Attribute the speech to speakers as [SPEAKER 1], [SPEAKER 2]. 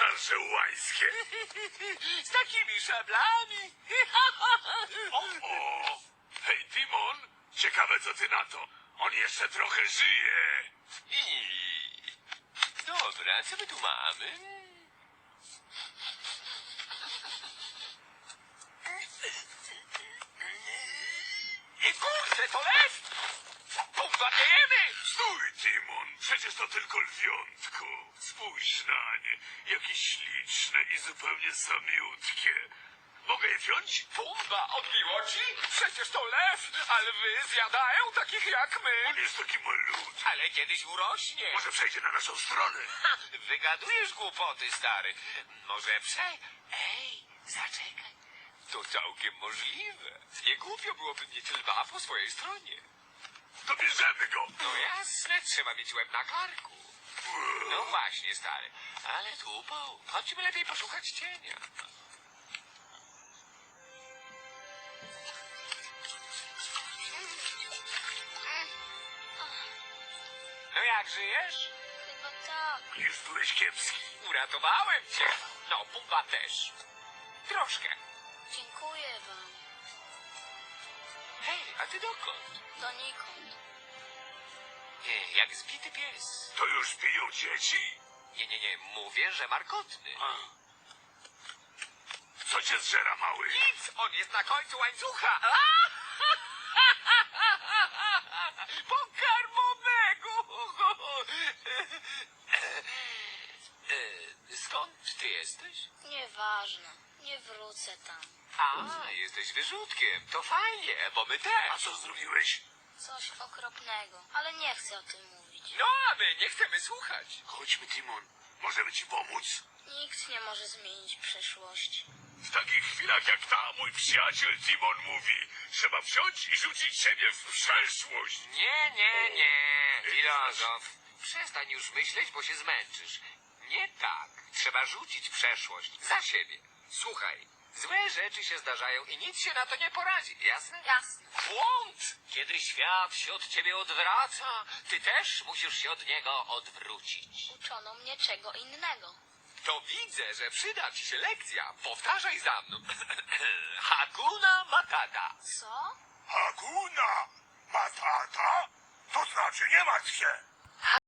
[SPEAKER 1] szarże ułańskie.
[SPEAKER 2] Z takimi szablami.
[SPEAKER 1] O! Hej, Timon, ciekawe co ty na to. On jeszcze trochę żyje.
[SPEAKER 2] Dobra, co my tu mamy? I kurczę, to lew! Bombardujemy!
[SPEAKER 1] Stój, Timon, przecież to tylko lwiątko. Spójrz na nie, jakie śliczne i zupełnie samiutkie. Mogę je wziąć?
[SPEAKER 2] Pumba, odbiło ci? Przecież to lew, a lwy zjadają takich jak my.
[SPEAKER 1] On jest taki malutki.
[SPEAKER 2] Ale kiedyś urośnie.
[SPEAKER 1] Może przejdzie na naszą stronę.
[SPEAKER 2] Ha, wygadujesz głupoty, stary. Może Ej, zaczekaj. To całkiem możliwe. Nie głupio byłoby mieć lwa po swojej stronie.
[SPEAKER 1] To bierzemy go.
[SPEAKER 2] No jasne, trzeba mieć łeb na karku. No właśnie, stary. Ale tu, chodźmy lepiej poszukać cienia. No jak żyjesz?
[SPEAKER 3] Chyba tak.
[SPEAKER 1] Już byłeś kiepski.
[SPEAKER 2] Uratowałem cię. No, Pumba też. Troszkę.
[SPEAKER 3] Dziękuję wam.
[SPEAKER 2] Hej, a ty dokąd?
[SPEAKER 3] Donikąd.
[SPEAKER 2] Nie, jak zbity pies.
[SPEAKER 1] To już piją dzieci?
[SPEAKER 2] Nie, mówię, że markotny.
[SPEAKER 1] Co cię zżera, mały?
[SPEAKER 2] Nic, on jest na końcu łańcucha. Pokarmonego. Skąd ty jesteś?
[SPEAKER 3] Nieważne. Nie wrócę tam.
[SPEAKER 2] A, jesteś wyrzutkiem. To fajnie, bo my
[SPEAKER 1] A
[SPEAKER 2] też.
[SPEAKER 1] co zrobiłeś?
[SPEAKER 3] Coś okropnego. Ale nie chcę o tym mówić.
[SPEAKER 2] No, a my nie chcemy słuchać.
[SPEAKER 1] Chodźmy, Timon. Możemy ci pomóc.
[SPEAKER 3] Nikt nie może zmienić przeszłości.
[SPEAKER 1] W takich chwilach jak ta, mój przyjaciel Timon mówi, trzeba wziąć i rzucić siebie w przeszłość.
[SPEAKER 2] Nie. Filozof, przestań już myśleć, bo się zmęczysz. Nie tak. Trzeba rzucić przeszłość za siebie. Słuchaj, złe rzeczy się zdarzają i nic się na to nie poradzi, jasne?
[SPEAKER 3] Jasne.
[SPEAKER 2] Błąd! Kiedy świat się od ciebie odwraca, ty też musisz się od niego odwrócić.
[SPEAKER 3] Uczono mnie czego innego.
[SPEAKER 2] To widzę, że przyda ci się lekcja. Powtarzaj za mną. Hakuna Matata.
[SPEAKER 3] Co?
[SPEAKER 1] Hakuna Matata? To znaczy nie martw się.